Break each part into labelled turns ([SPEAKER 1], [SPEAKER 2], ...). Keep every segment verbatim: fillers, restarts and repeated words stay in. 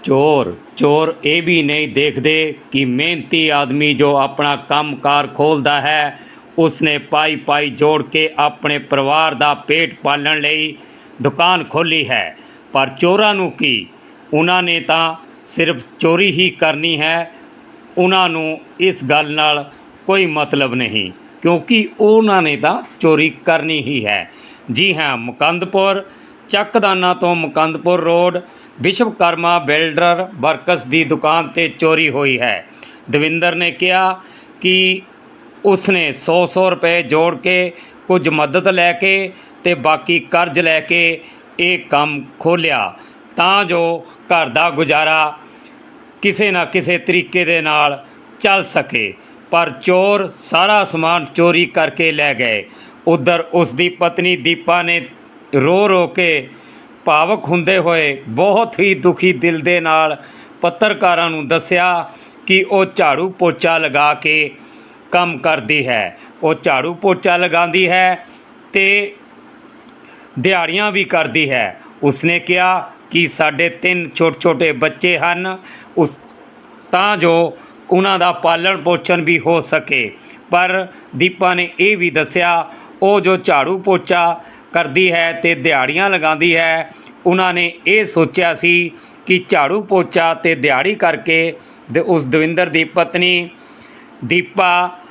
[SPEAKER 1] ਚੋਰ ਚੋਰ ਇਹ ਵੀ ਨਹੀਂ ਦੇਖਦੇ ਕਿ ਮਿਹਨਤੀ ਆਦਮੀ ਜੋ ਆਪਣਾ ਕੰਮ ਕਾਰ ਖੋਲ੍ਹਦਾ ਹੈ ਉਸਨੇ ਪਾਈ ਪਾਈ ਜੋੜ ਕੇ ਆਪਣੇ ਪਰਿਵਾਰ ਦਾ ਪੇਟ ਪਾਲਣ ਲਈ ਦੁਕਾਨ ਖੋਲ੍ਹੀ ਹੈ। ਪਰ ਚੋਰਾਂ ਨੂੰ ਕੀ, ਉਹਨਾਂ ਨੇ ਤਾਂ ਸਿਰਫ ਚੋਰੀ ਹੀ ਕਰਨੀ ਹੈ। ਉਹਨਾਂ ਨੂੰ ਇਸ ਗੱਲ ਨਾਲ ਕੋਈ ਮਤਲਬ ਨਹੀਂ, ਕਿਉਂਕਿ ਉਹਨਾਂ ਨੇ ਤਾਂ ਚੋਰੀ ਕਰਨੀ ਹੀ ਹੈ। ਜੀ ਹਾਂ, ਮੁਕੰਦਪੁਰ ਚੱਕਦਾਨਾ ਤੋਂ Mukandpur road Vishwakarma builder works ਦੀ ਦੁਕਾਨ 'ਤੇ ਚੋਰੀ ਹੋਈ ਹੈ। ਦਵਿੰਦਰ ਨੇ ਕਿਹਾ ਕਿ ਉਸਨੇ ਸੌ ਸੌ ਰੁਪਏ ਜੋੜ ਕੇ ਕੁਝ ਮਦਦ ਲੈ ਕੇ ਅਤੇ ਬਾਕੀ ਕਰਜ਼ ਲੈ ਕੇ ਇਹ ਕੰਮ ਖੋਲ੍ਹਿਆ ਤਾਂ ਜੋ ਘਰ ਦਾ ਗੁਜ਼ਾਰਾ ਕਿਸੇ ਨਾ ਕਿਸੇ ਤਰੀਕੇ ਦੇ ਨਾਲ ਚੱਲ ਸਕੇ। ਪਰ ਚੋਰ ਸਾਰਾ ਸਮਾਨ ਚੋਰੀ ਕਰਕੇ ਲੈ ਗਏ। ਉੱਧਰ ਉਸ ਦੀ ਪਤਨੀ ਦੀਪਾ ਨੇ ਰੋ ਰੋ ਕੇ ਭਾਵੁਕ ਹੁੰਦੇ ਹੋਏ ਬਹੁਤ ਹੀ ਦੁਖੀ ਦਿਲ ਦੇ ਨਾਲ ਪੱਤਰਕਾਰਾਂ ਨੂੰ ਦੱਸਿਆ ਕਿ ਉਹ ਝਾੜੂ ਪੋਚਾ ਲਗਾ ਕੇ ਕੰਮ ਕਰਦੀ ਹੈ। ਉਹ ਝਾੜੂ ਪੋਚਾ ਲਗਾਉਂਦੀ ਹੈ ਅਤੇ ਦਿਹਾੜੀਆਂ ਵੀ ਕਰਦੀ ਹੈ। ਉਸਨੇ ਕਿਹਾ ਕਿ ਸਾਡੇ ਤਿੰਨ ਛੋਟੇ ਛੋਟੇ ਬੱਚੇ ਹਨ, ਉਸ ਤਾਂ ਜੋ ਉਹਨਾਂ ਦਾ ਪਾਲਣ ਪੋਸ਼ਣ ਵੀ ਹੋ ਸਕੇ। ਪਰ ਦੀਪਾ ਨੇ ਇਹ ਵੀ ਦੱਸਿਆ ਉਹ ਜੋ ਝਾੜੂ ਪੋਚਾ ਕਰਦੀ ਹੈ ਅਤੇ ਦਿਹਾੜੀਆਂ ਲਗਾਉਂਦੀ ਹੈ, ਉਹਨਾਂ ਨੇ ਇਹ ਸੋਚਿਆ ਸੀ ਕਿ ਝਾੜੂ ਪੋਚਾ ਅਤੇ ਦਿਹਾੜੀ ਕਰਕੇ ਦ ਉਸ ਦਵਿੰਦਰ ਦੀ ਪਤਨੀ ਦੀਪਾ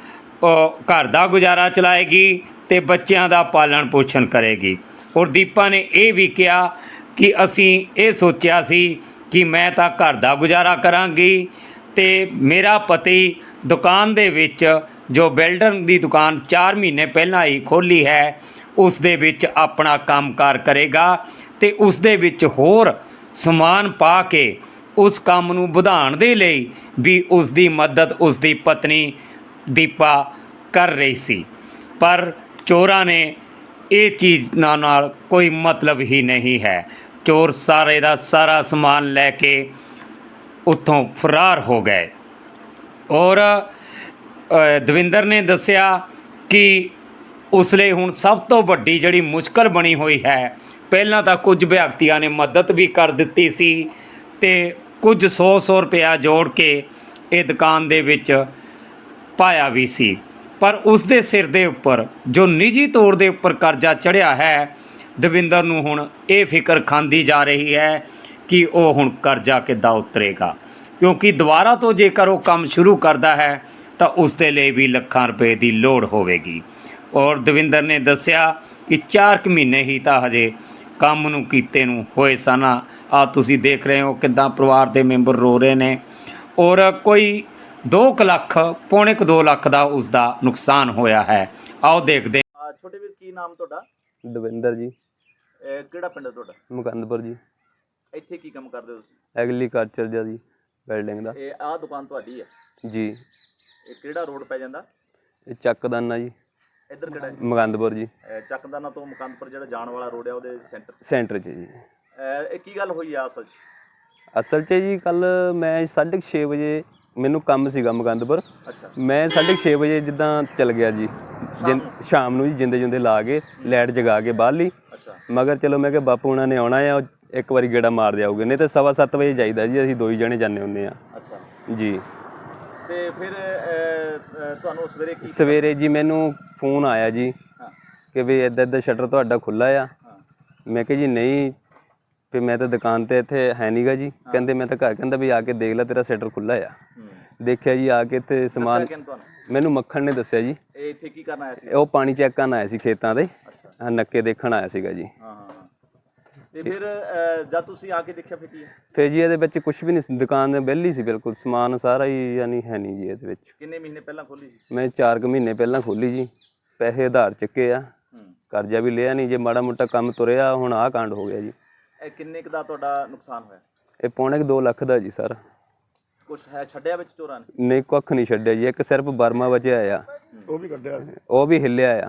[SPEAKER 1] ਘਰ ਦਾ ਗੁਜ਼ਾਰਾ ਚਲਾਏਗੀ ਅਤੇ ਬੱਚਿਆਂ ਦਾ ਪਾਲਣ ਪੋਸ਼ਣ ਕਰੇਗੀ। ਔਰ ਦੀਪਾ ਨੇ ਇਹ ਵੀ ਕਿਹਾ ਕਿ ਅਸੀਂ ਇਹ ਸੋਚਿਆ ਸੀ ਕਿ ਮੈਂ ਤਾਂ ਘਰ ਦਾ ਗੁਜ਼ਾਰਾ ਕਰਾਂਗੀ ਅਤੇ ਮੇਰਾ ਪਤੀ ਦੁਕਾਨ ਦੇ ਵਿੱਚ ਜੋ ਬਿਲਡਰ ਦੀ ਦੁਕਾਨ ਚਾਰ ਮਹੀਨੇ ਪਹਿਲਾਂ ਹੀ ਖੋਲ੍ਹੀ ਹੈ ਉਸ ਦੇ ਵਿੱਚ ਆਪਣਾ ਕੰਮਕਾਰ ਕਰੇਗਾ ਅਤੇ ਉਸ ਦੇ ਵਿੱਚ ਹੋਰ ਸਮਾਨ ਪਾ ਕੇ ਉਸ ਕੰਮ ਨੂੰ ਵਧਾਉਣ ਦੇ ਲਈ ਵੀ ਉਸ ਦੀ ਮਦਦ ਉਸ ਦੀ ਪਤਨੀ ਦੀਪਾ ਕਰ ਰਹੀ ਸੀ। ਪਰ ਚੋਰਾਂ ਨੇ ਇਹ ਚੀਜ਼ ਨਾਲ ਨਾਲ ਕੋਈ ਮਤਲਬ ਹੀ ਨਹੀਂ ਹੈ। ਚੋਰ ਸਾਰੇ ਦਾ ਸਾਰਾ ਸਮਾਨ ਲੈ ਕੇ ਉੱਥੋਂ ਫਰਾਰ ਹੋ ਗਏ। ਔਰ ਦਵਿੰਦਰ ਨੇ ਦੱਸਿਆ ਕਿ ਉਸ ਲਈ ਹੁਣ ਸਭ ਤੋਂ ਵੱਡੀ ਜਿਹੜੀ ਮੁਸ਼ਕਲ ਬਣੀ ਹੋਈ ਹੈ, ਪਹਿਲਾਂ ਤਾਂ ਕੁਝ ਵਿਅਕਤੀਆਂ ਨੇ ਮਦਦ ਵੀ ਕਰ ਦਿੱਤੀ ਸੀ ਅਤੇ ਕੁਝ ਸੌ ਸੌ ਰੁਪਇਆ ਜੋੜ ਕੇ ਇਹ ਦੁਕਾਨ ਦੇ ਵਿੱਚ ਪਾਇਆ ਵੀ ਸੀ, ਪਰ ਉਸ ਦੇ ਸਿਰ ਦੇ ਉੱਪਰ ਜੋ ਨਿੱਜੀ ਤੌਰ ਦੇ ਉੱਪਰ ਕਰਜ਼ਾ ਚੜ੍ਹਿਆ ਹੈ, ਦਵਿੰਦਰ ਨੂੰ ਹੁਣ ਇਹ ਫਿਕਰ ਖਾਂਦੀ ਜਾ ਰਹੀ ਹੈ ਕਿ ਉਹ ਹੁਣ ਕਰਜ਼ਾ ਕਿੱਦਾਂ ਉਤਰੇਗਾ, ਕਿਉਂਕਿ ਦੁਬਾਰਾ ਤੋਂ ਜੇਕਰ ਉਹ ਕੰਮ ਸ਼ੁਰੂ ਕਰਦਾ ਹੈ ਤਾਂ ਉਸ ਦੇ ਲਈ ਵੀ ਲੱਖਾਂ ਰੁਪਏ ਦੀ ਲੋੜ ਹੋਵੇਗੀ। ਔਰ ਦਵਿੰਦਰ ਨੇ ਦੱਸਿਆ ਕਿ ਚਾਰ ਕੁ ਮਹੀਨੇ ਹੀ ਤਾਂ ਹਜੇ ਕੰਮ ਨੂੰ ਕੀਤੇ ਨੂੰ ਹੋਏ ਸਨ। ਆ ਤੁਸੀਂ ਦੇਖ ਰਹੇ ਹੋ ਕਿੱਦਾਂ ਪਰਿਵਾਰ ਦੇ ਮੈਂਬਰ ਰੋ ਰਹੇ ਨੇ। ਔਰ ਕੋਈ ਦੋ ਕੁ ਲੱਖ ਪੌਣੇ ਕੁ ਦੋ ਲੱਖ ਦਾ ਉਸ ਦਾ ਨੁਕਸਾਨ ਹੋਇਆ ਹੈ। ਆਓ ਦੇਖਦੇ
[SPEAKER 2] ਹਾਂ। ਛੋਟੇ ਵੀਰ, ਕੀ ਨਾਮ ਤੁਹਾਡਾ?
[SPEAKER 3] ਦਵਿੰਦਰ ਜੀ।
[SPEAKER 2] ਇਹ ਕਿਹੜਾ ਪਿੰਡ ਹੈ ਤੁਹਾਡਾ?
[SPEAKER 3] ਮੁਕੰਦਪੁਰ ਜੀ।
[SPEAKER 2] ਇੱਥੇ ਕੀ ਕੰਮ ਕਰਦੇ ਹੋ ਤੁਸੀਂ?
[SPEAKER 3] ਐਗਰੀਕਲਚਰ ਦਾ ਜੀ, ਬਿਲਡਿੰਗ ਦਾ।
[SPEAKER 2] ਇਹ ਆਹ ਦੁਕਾਨ ਤੁਹਾਡੀ ਹੈ
[SPEAKER 3] ਜੀ।
[SPEAKER 2] ਇਹ ਕਿਹੜਾ ਰੋਡ ਪੈ ਜਾਂਦਾ?
[SPEAKER 3] ਇਹ ਚੱਕਦਾਨਾ ਜੀ।
[SPEAKER 2] ਇੱਧਰ ਕਿਹੜਾ ਹੈ?
[SPEAKER 3] ਮੁਕੰਦਪੁਰ ਜੀ।
[SPEAKER 2] ਇਹ ਚੱਕਦਾਨਾ ਤੋਂ ਮੁਕੰਦਪੁਰ ਜਿਹੜਾ ਜਾਣ ਵਾਲਾ ਰੋਡ ਹੈ ਉਹਦੇ ਸੈਂਟਰ
[SPEAKER 3] ਸੈਂਟਰ 'ਚ ਜੀ।
[SPEAKER 2] ਇਹ ਕੀ ਗੱਲ ਹੋਈ ਆ ਅਸਲ 'ਚ?
[SPEAKER 3] ਅਸਲ 'ਚ ਜੀ ਕੱਲ੍ਹ ਮੈਂ ਸਾਢੇ ਕੁ ਛੇ ਵਜੇ ਮੈਨੂੰ ਕੰਮ ਸੀਗਾ ਮੁਕੰਦਪੁਰ।
[SPEAKER 2] ਅੱਛਾ।
[SPEAKER 3] ਮੈਂ ਸਾਢੇ ਕੁ ਛੇ ਵਜੇ ਜਿੱਦਾਂ ਚੱਲ ਗਿਆ ਜੀ, ਜਿ ਸ਼ਾਮ ਨੂੰ ਜੀ ਜਿੰਦੇ ਜਿੰਦੇ ਲਾ ਕੇ ਲਾਈਟ ਜਗਾ ਕੇ ਬਾਹਰ ਲਈ।
[SPEAKER 2] ਅੱਛਾ।
[SPEAKER 3] ਮਗਰ ਚਲੋ ਮੈਂ ਕਿਹਾ ਬਾਪੂ ਉਹਨਾਂ ਨੇ ਆਉਣਾ ਆ, ਇੱਕ ਵਾਰੀ ਗੇੜਾ ਮਾਰ ਜਾਊਗੇ, ਨਹੀਂ ਤਾਂ ਸਵਾ ਸੱਤ ਵਜੇ ਜਾਈਦਾ ਜੀ, ਅਸੀਂ ਦੋ ਹੀ ਜਣੇ ਜਾਂਦੇ ਹੁੰਦੇ ਹਾਂ।
[SPEAKER 2] ਅੱਛਾ
[SPEAKER 3] ਜੀ।
[SPEAKER 2] ਤੇ ਫਿਰ ਤੁਹਾਨੂੰ ਸਵੇਰੇ ਕੀ
[SPEAKER 3] ਸਵੇਰੇ ਜੀ ਮੈਨੂੰ ਫੋਨ ਆਇਆ ਜੀ ਕਿ ਵੀ ਇੱਦਾਂ ਇੱਦਾਂ ਸ਼ਟਰ ਤੁਹਾਡਾ ਖੁੱਲ੍ਹਾ ਆ। ਮੈਂ ਕਿਹਾ ਜੀ ਨਹੀਂ, ਫਿਰ ਮੈਂ ਤਾਂ ਦੁਕਾਨ 'ਤੇ ਇੱਥੇ ਹੈ ਨਹੀਂ ਗਾ ਜੀ। ਕਹਿੰਦੇ ਮੈਂ ਤਾਂ ਘਰ, ਕਹਿੰਦਾ ਵੀ ਆ ਕੇ ਦੇਖ ਲੈ ਤੇਰਾ ਸ਼ਟਰ ਖੁੱਲ੍ਹਾ ਆ। ਦੇਖਿਆ ਜੀ ਆ ਕੇ ਇੱਥੇ ਸਮਾਨ, ਮੈਨੂੰ ਮੱਖਣ ਨੇ ਦੱਸਿਆ ਜੀ।
[SPEAKER 2] ਇਹ ਇੱਥੇ ਕੀ ਕਰਨ ਆਇਆ ਸੀ?
[SPEAKER 3] ਉਹ ਪਾਣੀ ਚੈੱਕ ਕਰਨ ਆਇਆ ਸੀ ਖੇਤਾਂ ਦੇ, ਨੱਕੇ ਦੇਖਣ ਆਇਆ ਸੀਗਾ ਜੀ।
[SPEAKER 2] ਹਾਂ ਹਾਂ। ਤੇ ਫਿਰ ਜਦ ਤੁਸੀਂ ਆ ਕੇ ਦੇਖਿਆ ਫਿਰ ਕੀ?
[SPEAKER 3] ਫਿਰ ਜੀ ਇਹਦੇ ਵਿੱਚ ਕੁਝ ਵੀ ਨਹੀਂ ਸੀ, ਦੁਕਾਨ ਵਿਹਲੀ ਸੀ ਬਿਲਕੁਲ, ਸਮਾਨ ਸਾਰਾ ਹੀ ਯਾਨੀ ਹੈ ਨਹੀਂ ਜੀ ਇਹਦੇ ਵਿੱਚ।
[SPEAKER 2] ਕਿੰਨੇ ਮਹੀਨੇ ਪਹਿਲਾਂ ਖੋਲ੍ਹੀ ਸੀ?
[SPEAKER 3] ਮੈਂ ਚਾਰ ਕੁ ਮਹੀਨੇ ਪਹਿਲਾਂ ਖੋਲ੍ਹੀ ਜੀ। ਪੈਸੇ ਉਧਾਰ ਚੁੱਕੇ ਆ, ਕਰਜ਼ਾ ਵੀ ਲਿਆ ਨਹੀਂ, ਜੇ ਮਾੜਾ ਮੋਟਾ ਕੰਮ ਤੁਰਿਆ ਹੁਣ ਆਹ ਕਾਂਡ ਹੋ ਗਿਆ ਜੀ।
[SPEAKER 2] ਇਹ ਕਿੰਨੇ ਕੁ ਦਾ ਤੁਹਾਡਾ ਨੁਕਸਾਨ ਹੋਇਆ?
[SPEAKER 3] ਇਹ ਪੌਣੇ ਕੁ ਦੋ ਲੱਖ ਦਾ ਜੀ ਸਰ।
[SPEAKER 2] ਕੁਛ ਹੈ ਛੱਡਿਆ ਵਿੱਚ ਚੋਰਾਂ ਨੇ?
[SPEAKER 3] ਨਹੀਂ, ਕੁੱਖ ਨਹੀਂ ਛੱਡਿਆ ਜੀ, ਇੱਕ ਸਿਰਫ ਬਰਮਾ ਬਚਿਆ ਆ, ਉਹ ਵੀ ਕੱਢਿਆ, ਉਹ ਵੀ ਹਿੱਲਿਆ ਆ।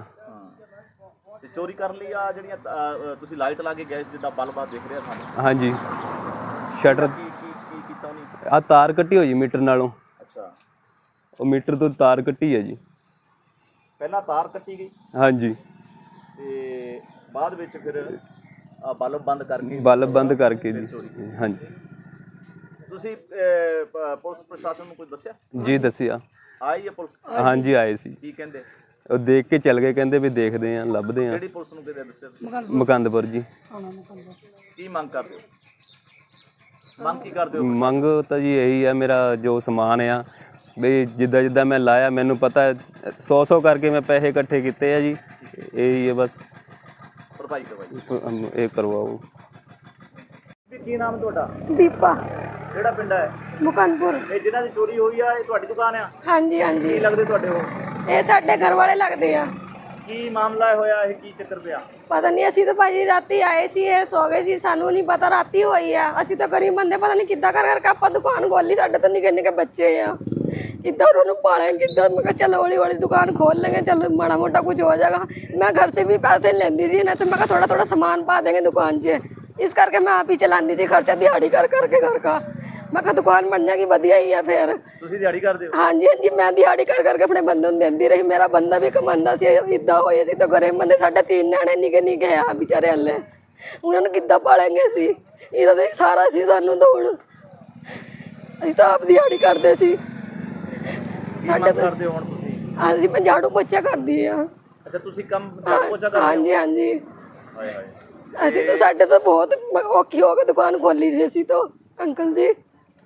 [SPEAKER 2] ਤੇ ਚੋਰੀ ਕਰਨ ਲਈ ਆ ਜਿਹੜੀਆਂ ਤੁਸੀਂ ਲਾਈਟ ਲਾ ਕੇ ਗਏ ਜਿੱਦਾਂ ਬਲਬ ਦਿਖ ਰਿਹਾ ਸਾਨੂੰ?
[SPEAKER 3] ਹਾਂਜੀ। ਸ਼ਟਰ
[SPEAKER 2] ਕੀ ਕੀ ਕੀ ਕੀਤਾ ਉਹਨੇ?
[SPEAKER 3] ਆ ਤਾਰ ਕੱਟੀ ਹੋਈ ਮੀਟਰ ਨਾਲੋਂ।
[SPEAKER 2] ਅੱਛਾ।
[SPEAKER 3] ਉਹ ਮੀਟਰ ਤੋਂ ਤਾਰ ਕੱਟੀ ਹੈ ਜੀ।
[SPEAKER 2] ਪਹਿਲਾਂ ਤਾਰ ਕੱਟੀ ਗਈ?
[SPEAKER 3] ਹਾਂਜੀ।
[SPEAKER 2] ਤੇ ਬਾਅਦ ਵਿੱਚ ਫਿਰ ਬਲਬ ਬੰਦ ਕਰਕੇ?
[SPEAKER 3] ਬਲਬ ਬੰਦ ਕਰਕੇ ਜੀ। ਹਾਂਜੀ।
[SPEAKER 2] ਤੁਸੀਂ ਅਹ, ਪ- ਪੁਲਿਸ ਪ੍ਰਸ਼ਾਸਨ ਨੂੰ ਕੁਝ ਦੱਸਿਆ?
[SPEAKER 3] ਜੀ ਦੱਸਿਆ,
[SPEAKER 2] ਆਈ ਹੈ ਪੁਲਿਸ?
[SPEAKER 3] ਹਾਂਜੀ ਆਏ ਸੀ,
[SPEAKER 2] ਕੀ ਕਹਿੰਦੇ?
[SPEAKER 3] ਉਹ ਦੇਖ ਕੇ ਚਲ ਗਏ, ਕਹਿੰਦੇ ਵੀ ਦੇਖਦੇ ਆ ਲੱਭਦੇ ਆ।
[SPEAKER 2] ਕਿਹੜੀ ਪੁਲਿਸ ਨੂੰ ਕਿਹਦੇ ਦੱਸਿਆ ਤੁਸੀਂ?
[SPEAKER 3] ਮੁਕੰਦਪੁਰ ਜੀ।
[SPEAKER 2] ਕੀ ਮੰਗ ਕਰਦੇ ਹੋ? ਮੰਗ ਕੀ ਕਰਦੇ ਹੋ?
[SPEAKER 3] ਮੰਗ ਤਾਂ ਜੀ ਇਹੀ ਆ, ਮੇਰਾ ਜੋ ਸਮਾਨ ਆ ਵੀ ਜਿੱਦਾਂ ਜਿੱਦਾਂ ਮੈਂ ਲਾਇਆ ਮੈਨੂੰ ਪਤਾ ਸੌ ਸੌ ਕਰਕੇ ਮੈਂ ਪੈਸੇ ਇਕੱਠੇ ਕੀਤੇ ਆ ਜੀ, ਇਹੀ ਹੈ ਬਸ,
[SPEAKER 2] ਭਰਪਾਈ ਕਰਵਾਈ।
[SPEAKER 3] ਇਹ ਕਰਵਾਓ।
[SPEAKER 2] ਵੀ ਕੀ ਨਾਮ ਤੁਹਾਡਾ?
[SPEAKER 4] ਦੀਪਾ
[SPEAKER 2] ਕਿਹੜਾ ਪਿੰਡ ਹੈ?
[SPEAKER 4] ਮੁਕੰਦਪੁਰ।
[SPEAKER 2] ਇਹ ਜਿਨ੍ਹਾਂ ਦੀ ਚੋਰੀ ਹੋਈ ਆ ਇਹ ਤੁਹਾਡੀ ਦੁਕਾਨ ਆ?
[SPEAKER 4] ਹਾਂਜੀ
[SPEAKER 2] ਕੀ
[SPEAKER 4] ਹਾਂਜੀ,
[SPEAKER 2] ਲੱਗਦੇ ਤੁਹਾਡੇ ਉਹ?
[SPEAKER 4] ਇਹ ਸਾਡੇ ਘਰ ਵਾਲੇ ਲੱਗਦੇ ਆ।
[SPEAKER 2] ਕੀ ਮਾਮਲਾ ਹੋਇਆ, ਇਹ ਕੀ ਚੱਕਰ ਪਿਆ?
[SPEAKER 4] ਪਤਾ ਨਹੀਂ, ਅਸੀਂ ਤਾਂ ਭਾਜੀ ਰਾਤੀ ਆਏ ਸੀ, ਇਹ ਸੋ ਗਏ ਸੀ, ਸਾਨੂੰ ਨਹੀਂ ਪਤਾ ਰਾਤੀ ਹੋਈ ਆ। ਅਸੀਂ ਤਾਂ ਗਰੀਬ ਬੰਦੇ, ਪਤਾ ਨਹੀਂ ਕਿੱਦਾਂ ਕਰ ਕਰਕੇ ਆਪਾਂ ਦੁਕਾਨ ਖੋਲੀ। ਸਾਡੇ ਤਾਂ ਨਿੱਕੇ ਨਿੱਕੇ ਬੱਚੇ ਆ, ਕਿੱਦਾਂ ਉਹਨਾਂ ਨੂੰ ਪਾਲਾਂਗੇ ਕਿੱਦਾਂ? ਮੈਂ ਕਿਹਾ ਚਲੋ ਹੌਲੀ ਹੌਲੀ ਦੁਕਾਨ ਖੋਲ लेंगे, चलो माड़ा मोटा कुछ हो जाएगा। मैं घर से भी पैसे लेंदी थी ना, तो मैं थोड़ा थोड़ा सामान पा देंगे दुकान से, इस करके मैं आप ही चलाती थी खर्चा दिहाड़ी कर करके घर का। मैं कहा दुकान बन जाएगी, वधिया ही है फिर।
[SPEAKER 2] ਤੁਸੀਂ ਦਿਹਾੜੀ ਕਰਦੇ ਹੋ?
[SPEAKER 4] हाँ जी हाँ जी, मैं दिहाड़ी कर करके अपने बंदे ਨੂੰ ਦਿੰਦੀ ਰਹੀ। ਮੇਰਾ ਬੰਦਾ ਵੀ ਕਮਾਉਂਦਾ ਸੀ। ਇੱਦਾਂ ਹੋਏ ਸੀ ਤਾਂ ਘਰੇ ਬੰਦੇ ਸਾਡੇ ਤਿੰਨ ਨਿਆਣੇ ਨਿੱਕੇ ਨਿੱਕੇ ਆ ਵਿਚਾਰੇ ਹੱਲੇ, ਉਹਨਾਂ ਨੂੰ ਕਿੱਦਾਂ ਪਾਲਾਂਗੇ ਸੀ? ਇਹਦਾ ਤਾਂ ਸਾਰਾ ਸੀ ਸਾਨੂੰ ਤਾਂ ਹੁਣ, ਅਸੀਂ ਤਾਂ ਆਪ ਦਿਹਾੜੀ ਕਰਦੇ ਸੀ।
[SPEAKER 2] ਸਾਡੇ ਕਰਦੇ ਹੋ ਹੁਣ ਤੁਸੀਂ?
[SPEAKER 4] ਅਸੀਂ ਮੈਂ ਝਾੜੂ ਪੋਚਾ ਕਰਦੀ ਆ।
[SPEAKER 2] ਅੱਛਾ, ਤੁਸੀਂ ਕੰਮ ਝਾੜੂ ਪੋਚਾ ਕਰਦੇ ਹੋ?
[SPEAKER 4] ਹਾਂਜੀ ਹਾਂਜੀ,
[SPEAKER 2] ਹਾਏ ਹਾਏ,
[SPEAKER 4] ਅਸੀਂ ਤਾਂ ਸਾਡੇ ਤਾਂ ਬਹੁਤ ਔਖੀ ਹੋ ਕੇ ਦੁਕਾਨ ਖੋਲੀ ਸੀ ਅਸੀਂ ਤਾਂ ਅੰਕਲ ਜੀ।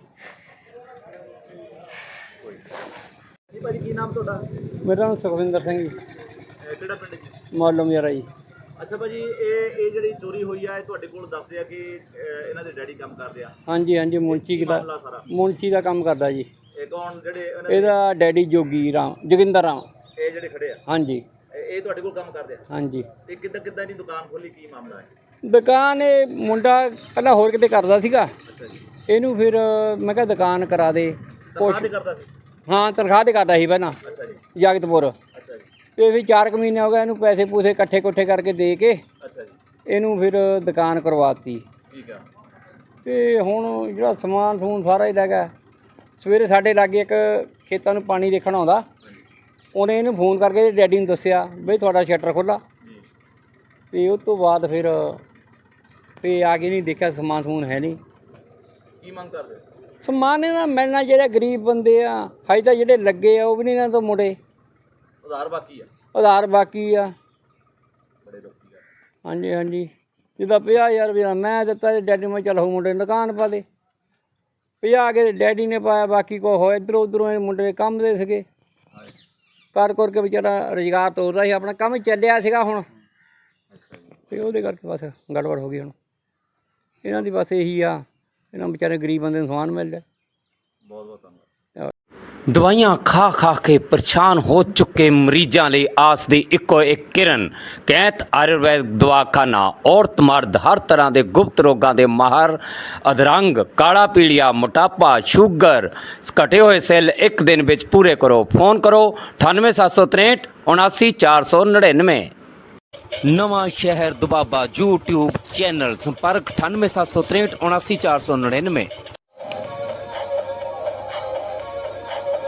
[SPEAKER 2] ਜੀ ਭਾਜੀ ਕੀ ਨਾਮ ਤੁਹਾਡਾ?
[SPEAKER 5] ਮੇਰਾ ਨਾਮ ਸੁਖਵਿੰਦਰ ਸਿੰਘ ਜੀ,
[SPEAKER 2] ਇਹ ਕਿਹੜਾ ਪਿੰਡ ਜੀ?
[SPEAKER 5] ਮਾਲੂਮ ਯਾਰਾ ਜੀ।
[SPEAKER 2] ਅੱਛਾ ਭਾਜੀ, ਇਹ ਇਹ ਜਿਹੜੀ ਚੋਰੀ ਹੋਈ ਆ ਇਹ ਤੁਹਾਡੇ ਕੋਲ ਦੱਸਦੇ ਆ ਕਿ ਅਹ, ਇਹਨਾਂ ਦੇ ਡੈਡੀ ਕੰਮ ਕਰਦੇ ਆ?
[SPEAKER 5] ਹਾਂਜੀ ਹਾਂਜੀ, ਮੁੰਚੀ
[SPEAKER 2] ਕੀ
[SPEAKER 5] ਦਾ
[SPEAKER 2] ਮਾਮਲਾ ਸਾਰਾ?
[SPEAKER 5] ਮੁੰਚੀ ਦਾ ਕੰਮ ਕਰਦਾ ਜੀ।
[SPEAKER 2] ਇਹ ਕੌਣ ਜਿਹੜੇ ਇਹਨਾਂ ਦੇ-
[SPEAKER 5] ਇਹਦਾ ਡੈਡੀ ਜੋਗੀ ਰਾਮ, ਜੋਗਿੰਦਰ ਰਾਮ।
[SPEAKER 2] ਇਹ ਜਿਹੜੇ ਖੜੇ ਆ
[SPEAKER 5] ਹਾਂਜੀ
[SPEAKER 2] ਇਹ ਇਹ ਤੁਹਾਡੇ ਕੋਲ ਕੰਮ ਕਰਦੇ ਆ?
[SPEAKER 5] ਹਾਂਜੀ।
[SPEAKER 2] ਤੇ ਕਿੱਦਾਂ ਕਿੱਦਾਂ ਦੀ ਦੁਕਾਨ ਖੋਲੀ, ਕੀ ਮਾਮਲਾ ਹੈ?
[SPEAKER 5] ਦੁਕਾਨ ਇਹ ਮੁੰਡਾ ਪਹਿਲਾਂ ਹੋਰ ਕਿਤੇ ਕਰਦਾ ਸੀਗਾ,
[SPEAKER 2] ਅੱਛਾ ਜੀ,
[SPEAKER 5] ਇਹਨੂੰ ਫਿਰ ਮੈਂ ਕਿਹਾ ਦੁਕਾਨ ਕਰਾ ਦੇ।
[SPEAKER 2] ਤਨਖਾਹ ਤੇ ਕਰਦਾ ਸੀ?
[SPEAKER 5] ਹਾਂ, ਤਨਖਾਹ ਤੇ ਕਰਦਾ ਸੀ ਪਹਿਲਾਂ
[SPEAKER 2] ਅੱਛਾ ਜੀ,
[SPEAKER 5] ਜਗਤਪੁਰ,
[SPEAKER 2] ਅੱਛਾ ਜੀ,
[SPEAKER 5] ਤੇ ਫਿਰ ਚਾਰ ਕੁ ਮਹੀਨੇ ਹੋ ਗਏ ਇਹਨੂੰ ਪੈਸੇ ਪੂਸੇ ਇਕੱਠੇ ਇਕੱਠੇ ਕਰਕੇ ਦੇ ਕੇ
[SPEAKER 2] ਅੱਛਾ ਜੀ,
[SPEAKER 5] ਇਹਨੂੰ ਫਿਰ ਦੁਕਾਨ ਕਰਵਾਤੀ।
[SPEAKER 2] ਠੀਕ ਆ।
[SPEAKER 5] ਤੇ ਹੁਣ ਜਿਹੜਾ ਸਮਾਨ ਸਮੂਨ ਸਾਰਾ ਹੀ ਲੈ ਗਿਆ। ਸਵੇਰੇ ਸਾਡੇ ਲਾਗੇ ਇੱਕ ਖੇਤਾਂ ਨੂੰ ਪਾਣੀ ਦੇਖਣ ਆਉਂਦਾ, ਉਹਨੇ ਇਹਨੂੰ ਫੋਨ ਕਰਕੇ ਡੈਡੀ ਨੂੰ ਦੱਸਿਆ ਬਈ ਤੁਹਾਡਾ ਸ਼ਟਰ ਖੁੱਲ੍ਹਾ।
[SPEAKER 2] ਜੀ,
[SPEAKER 5] ਤੇ ਉਸ ਤੋਂ ਬਾਅਦ ਫਿਰ ਫੇ ਆ ਕੇ ਨਹੀਂ ਦੇਖਿਆ, ਸਮਾਨ ਸਮੂਨ ਹੈ ਨਹੀਂ।
[SPEAKER 2] ਕੀ ਮੰਗ ਕਰਦੇ ਹੋ?
[SPEAKER 5] ਸਮਾਨ ਇਹਨਾਂ ਮਿਲਣਾ, ਜਿਹੜੇ ਗਰੀਬ ਬੰਦੇ ਆ ਹਜੇ ਤਾਂ ਜਿਹੜੇ ਲੱਗੇ ਆ ਉਹ ਵੀ ਨਹੀਂ ਇਹਨਾਂ ਤੋਂ ਮੁੜੇ,
[SPEAKER 2] ਉਧਾਰ ਬਾਕੀ ਆ?
[SPEAKER 5] ਉਧਾਰ ਬਾਕੀ ਆ।
[SPEAKER 2] ਬੜੇ ਲੋਕੀ ਆ।
[SPEAKER 5] ਹਾਂਜੀ ਹਾਂਜੀ, ਜਿੱਦਾਂ ਪੰਜਾਹ ਹਜ਼ਾਰ ਰੁਪਇਆ ਮੈਂ ਦਿੱਤਾ ਤੇ ਡੈਡੀ ਮੈਂ ਚੱਲ ਹੋ ਮੁੰਡੇ ਨੂੰ ਦੁਕਾਨ ਪਾ ਦੇ, ਪੰਜਾਹ ਕੇ ਡੈਡੀ ਨੇ ਪਾਇਆ, ਬਾਕੀ ਕੋ ਹੋ ਇੱਧਰੋਂ ਉੱਧਰੋਂ ਇਹ ਮੁੰਡੇ ਕੰਮ ਦੇ ਸੀਗੇ,
[SPEAKER 2] ਹਾਏ,
[SPEAKER 5] ਕਰ ਕਰ ਕੇ ਵਿਚਾਰਾ ਰੁਜ਼ਗਾਰ ਤੋਰਦਾ ਸੀ, ਆਪਣਾ ਕੰਮ ਚੱਲਿਆ ਸੀਗਾ ਹੁਣ,
[SPEAKER 2] ਅੱਛਾ ਜੀ।
[SPEAKER 5] ਤੇ ਉਹਦੇ ਕਰਕੇ ਬਸ ਗੜਬੜ ਹੋ ਗਈ। ਹੁਣ ਇਹਨਾਂ ਦੀ ਬਸ ਇਹੀ ਆ, ਇਹਨਾਂ ਵਿਚਾਰੇ ਗਰੀਬ ਬੰਦੇ ਨੂੰ ਸਮਾਨ ਮਿਲ ਰਿਹਾ।
[SPEAKER 2] ਬਹੁਤ ਬਹੁਤ ਧੰਨਵਾਦ।
[SPEAKER 1] ਦਵਾਈਆਂ ਖਾ ਖਾ ਕੇ ਪਰੇਸ਼ਾਨ ਹੋ ਚੁੱਕੇ ਮਰੀਜ਼ਾਂ ਲਈ ਆਸ ਦੀ ਇੱਕੋ ਇੱਕ ਕਿਰਨ ਕੈਂਤ ਆਯੁਰਵੈਦ ਦਵਾਖਾਨਾ। ਔਰਤ ਮਰਦ ਹਰ ਤਰ੍ਹਾਂ ਦੇ ਗੁਪਤ ਰੋਗਾਂ ਦੇ ਮਾਹਰ, ਅਧਰੰਗ, ਕਾਲਾ ਪੀਲੀਆ, ਮੋਟਾਪਾ, ਸ਼ੂਗਰ, ਘਟੇ ਹੋਏ ਸੈੱਲ ਇੱਕ ਦਿਨ ਵਿੱਚ ਪੂਰੇ ਕਰੋ। ਫੋਨ ਕਰੋ ਅਠਾਨਵੇਂ ਸੱਤ ਸੌ ਤਰੇਂਹਠ ਉਨਾਸੀ ਚਾਰ ਸੌ ਨੜਿਨਵੇਂ। ਨਵਾਂ ਸ਼ਹਿਰ ਦੁਬਾਬਾ YouTube ਚੈਨਲ, ਸੰਪਰਕ ਅਠਾਨਵੇਂ ਸੱਤ ਸੌ ਤਰੇਂਹਠ ਉਨਾਸੀ ਚਾਰ ਸੌ ਨੜਿਨਵੇਂ।